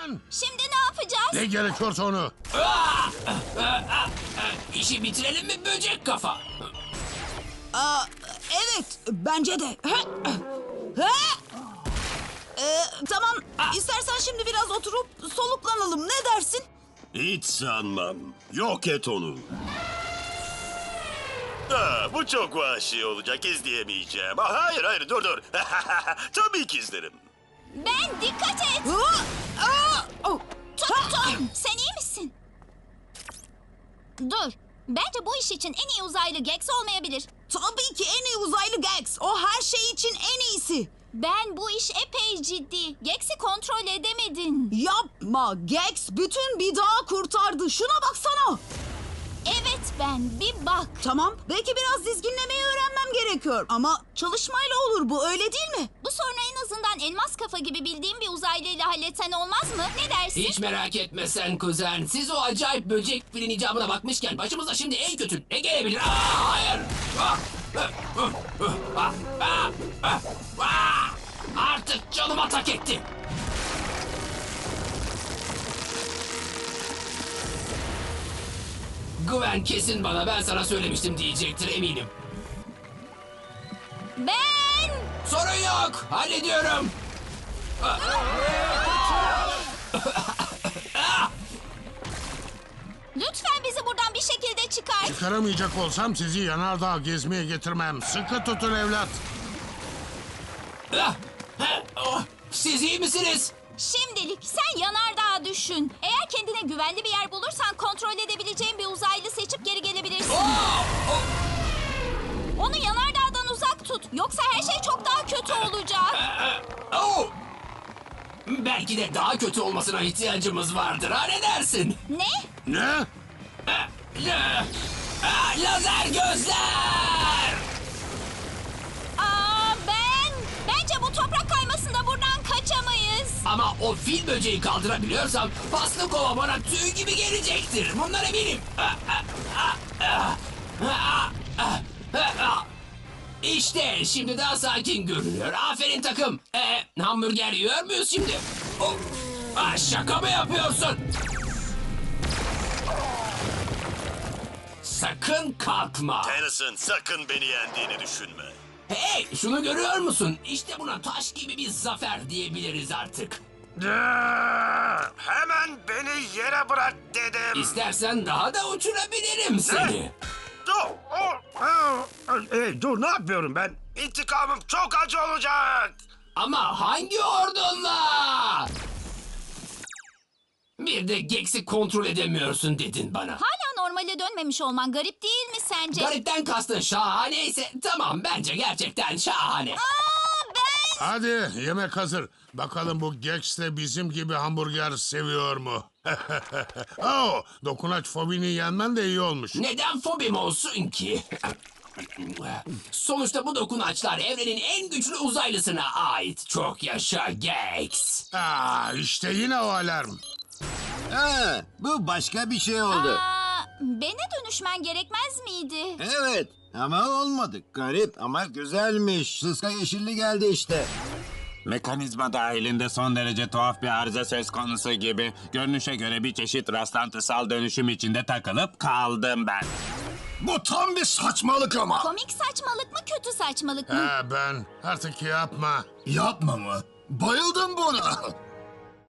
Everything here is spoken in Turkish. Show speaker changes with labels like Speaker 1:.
Speaker 1: lan?
Speaker 2: Şimdi ne yapacağız?
Speaker 1: Ne gerekiyorsa onu.
Speaker 3: İşi bitirelim mi böcek kafa?
Speaker 4: Evet, bence de. Tamam, istersen şimdi biraz oturup soluklanalım. Ne dersin?
Speaker 5: Hiç sanmam. Yok et onu. Bu çok vahşi olacak. İzleyemeyeceğim. Hayır dur. Tabii ki izlerim.
Speaker 2: Ben dikkat et. Tuttum. Sen iyi misin? Dur. Bence bu iş için en iyi uzaylı Gex olmayabilir.
Speaker 4: Tabii ki en iyi uzaylı Gex. O her şey için en iyisi.
Speaker 2: Ben bu iş epey ciddi. Gex'i kontrol edemedin.
Speaker 4: Yapma. Gex bütün bir dağı kurtardı. Şuna baksana.
Speaker 2: Evet ben. Bir bak.
Speaker 4: Tamam, belki biraz dizginlemeyi öğrenmem gerekiyor. Ama çalışmayla olur bu, öyle değil mi?
Speaker 2: Bu sorunu en azından elmas kafa gibi bildiğim bir uzaylıyla halletsen olmaz mı? Ne dersin?
Speaker 3: Hiç merak etme sen kuzen. Siz o acayip böcek filin icabına bakmışken başımıza şimdi en kötü ne gelebilir? Hayır! Artık canıma tak etti. Güven kesin bana ben sana söylemiştim diyecektir eminim.
Speaker 2: Ben!
Speaker 3: Sorun yok. Hallediyorum.
Speaker 2: Lütfen bizi buradan bir şekilde çıkar.
Speaker 1: Çıkaramayacak olsam sizi yanardağ gezmeye getirmem. Sıkı tutun evlat.
Speaker 3: Siz iyi misiniz?
Speaker 2: Şimdilik sen yanardağı düşün. Eğer kendine güvenli bir yer bulursan kontrol edebileceğin bir uzaylı seçip geri gelebilirsin. Onu yanardağdan uzak tut. Yoksa her şey çok daha kötü olacak.
Speaker 3: Belki de daha kötü olmasına ihtiyacımız vardır. Ha ne dersin?
Speaker 2: Ne?
Speaker 1: Ne?
Speaker 3: Lazer gözler!
Speaker 2: Bence bu toprak kaymasında buradan kaçamayız.
Speaker 3: Ama o fil böceği kaldırabiliyorsam paslı kova bana tüy gibi gelecektir. Bundan eminim. İşte şimdi daha sakin görünüyor. Aferin takım. Hamburger yiyor muyuz şimdi? Şaka mı yapıyorsun? Sakın kalkma.
Speaker 5: Tennyson sakın beni yendiğini düşünme.
Speaker 3: Hey, şunu görüyor musun? İşte buna taş gibi bir zafer diyebiliriz artık.
Speaker 5: Hemen beni yere bırak dedim.
Speaker 3: İstersen daha da uçurabilirim seni.
Speaker 5: Dur ne yapıyorum ben? İntikamım çok acı olacak.
Speaker 3: Ama hangi ordunla? Bir de Gex'i kontrol edemiyorsun dedin bana.
Speaker 2: Hala normale dönmemiş olman garip değil mi sence?
Speaker 3: Garipten kastın şahaneyse tamam bence gerçekten şahane.
Speaker 1: Hadi yemek hazır. Bakalım bu Gex de bizim gibi hamburger seviyor mu? Dokunaç fobini yenmen de iyi olmuş.
Speaker 3: Neden fobim olsun ki? Sonuçta bu dokunaçlar evrenin en güçlü uzaylısına ait. Çok yaşa Gex.
Speaker 1: İşte yine o alarm.
Speaker 6: Bu başka bir şey oldu.
Speaker 2: Bene dönüşmen gerekmez miydi?
Speaker 6: Evet ama olmadı. Garip ama güzelmiş. Sıska yeşilli geldi işte. Mekanizma dahilinde son derece tuhaf bir arıza söz konusu gibi. Görünüşe göre bir çeşit rastlantısal dönüşüm içinde takılıp kaldım ben.
Speaker 5: Bu tam bir saçmalık ama.
Speaker 2: Komik saçmalık mı kötü saçmalık mı?
Speaker 1: Ben artık yapma.
Speaker 5: Yapma mı? Bayıldım buna.